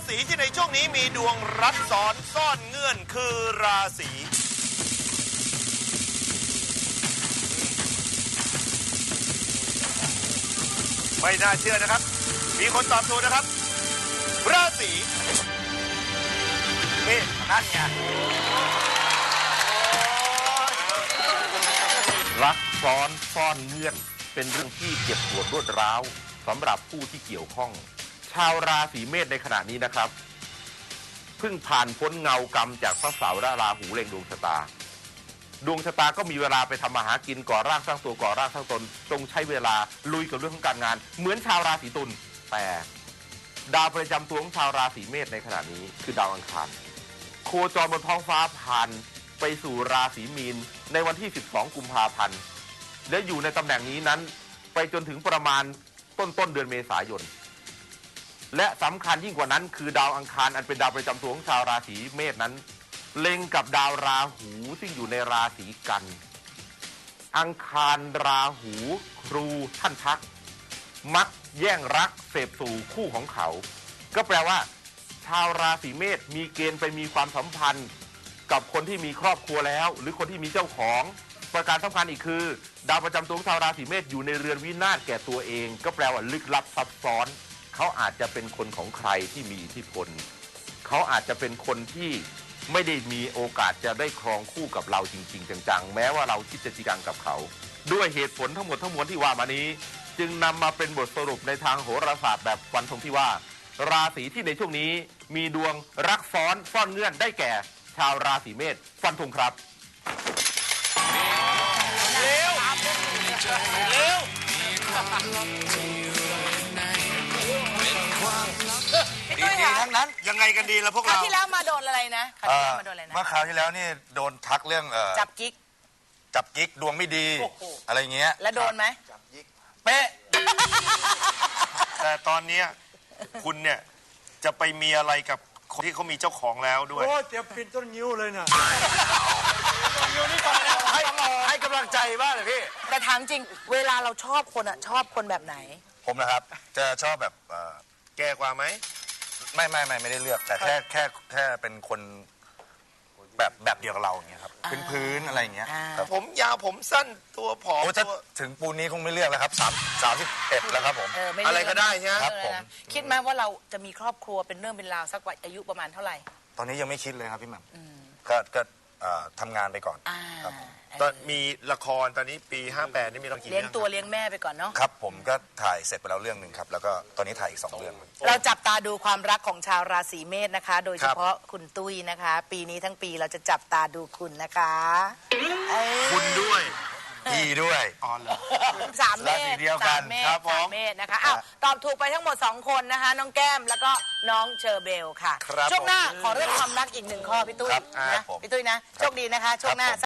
ศีที่ในช่วงนี้มีดวงรัดซ้อนซ่อนเงื่อนคือราศีไม่น่าเชื่อนะครับมีคนตอบถูกนะครับราศีเมษนั่นไงรักซ้อนซ่อนเงื่อนเป็นเรื่องที่เจ็บปวดรวดร้าวสำหรับผู้ที่เกี่ยวข้องชาวราศีเมษในขณะนี้นะครับเพิ่งผ่านพ้นเงากรรมจากพระเสาร์และราหูเล็งดวงชะตาดวงชะตาก็มีเวลาไปทำมาหากินก่อร่างสร้างตัวก่อร่างสร้างตนต้องใช้เวลาลุยกับเรื่องของการงานเหมือนชาวราศีตุลแต่ดาวประจำตัวของชาวราศีเมษในขณะนี้คือดาวอังคารโคจรบนท้องฟ้าผ่านไปสู่ราศีมีนในวันที่12กุมภาพันธ์และอยู่ในตำแหน่งนี้นั้นไปจนถึงประมาณต้นเดือนเมษายนและสำคัญยิ่งกว่านั้นคือดาวอังคารอันเป็นดาวประจำตัวของชาวราศีเมษนั้นเล็งกับดาวราหูซึ่งอยู่ในราศีกันอังคารราหูครูท่านทักมักแย่งรักเสพสู่คู่ของเขาก็แปลว่าชาวราศีเมษมีเกณฑ์ไปมีความสัมพันธ์กับคนที่มีครอบครัวแล้วหรือคนที่มีเจ้าของประการสำคัญอีกคือดาวประจำตัวของชาวราศีเมษอยู่ในเรือนวินาศแก่ตัวเองก็แปลว่าลึกลับซับซ้อนเขาอาจจะเป็นคนของใครที่มีอิทธิพลเขาอาจจะเป็นคนที่ไม่ได้มีโอกาสจะได้ครองคู่กับเราจริงๆจังๆแม้ว่าเราคิดจะจริงจังกับเขาด้วยเหตุผลทั้งหมดทั้งมวลที่ว่ามานี้จึงนำมาเป็นบทสรุปในทางโหราศาสตร์แบบฟันธงที่ว่าราศีที่ในช่วงนี้มีดวงรักซ้อนซ่อนเงื่อนได้แก่ชาวราศีเมษฟันธงครับเร็วเร็วดีๆทั้งนั้นยังไงกันดีล่ะพวกคราวเราที่แล้วมาโดนอะไรนะคราวที่แล้วมาโดนอะไรนะเมื่อคราวที่แล้วนี่โดนทักเรื่องจับกิ๊กจับกิ๊กดวงไม่ดีอะไรเงี้ยแล้วโดนไหมเป๊ะแต่ตอนนี้คุณเนี่ยจะไปมีอะไรกับคนที่เขามีเจ้าของแล้วด้วยโอ้เตรียมปิดต้นนิ้วเลยนะให้กำลังใจบ้างเลยพี่แต่ถามจริงเวลาเราชอบคนอะชอบคนแบบไหนผมนะครับจะชอบแบบแก่กว่าไหมไม่ได้เลือกแต่แค่เป็นคนแบบเดียวกับเราอย่างเงี้ยครับพื้นอะไรอย่างเงี้ยผมยาวผมสั้นตัวผอมถ้าถึงปูนนี้คงไม่เลือกแล้วครับ31แล้วครับผมอะไรก็ได้ใช่ไหมครับผมคิดไหมว่าเราจะมีครอบครัวเป็นเรื่องเป็นราวสักวัยอายุประมาณเท่าไหร่ตอนนี้ยังไม่คิดเลยครับพี่หม่ำก็ทำงานไปก่อนครับตอนมีละครตอนนี้ปี58นี่มีละครกี่เลี้เรื่ยงตัวเลี้ยงแม่ไปก่อนเนาะครับผมก็ถ่ายเสร็จไปแล้วเรื่องหนึ่งครับแล้วก็ตอนนี้ถ่ายอีก2เรื่องเราจับตาดูความรักของชาวราศีเมษนะคะโดยเฉพาะคุณตุ้ยนะคะปีนี้ทั้งปีเราจะจับตาดูคุณนะคะคุณด้วยพี่ด้วยอ๋อเหรอสามเมษเดียวกันครับผม 3 เมษนะคะอ้าวตอบถูกไปทั้งหมด2คนนะคะน้องแก้มแล้วก็น้องเชอร์เบลค่ะช่วงหน้าขอเรื่องความรักอีก1ข้อพี่ตุ้ยนะพี่ตุ้ยนะโชคดีนะคะช่วงหน้า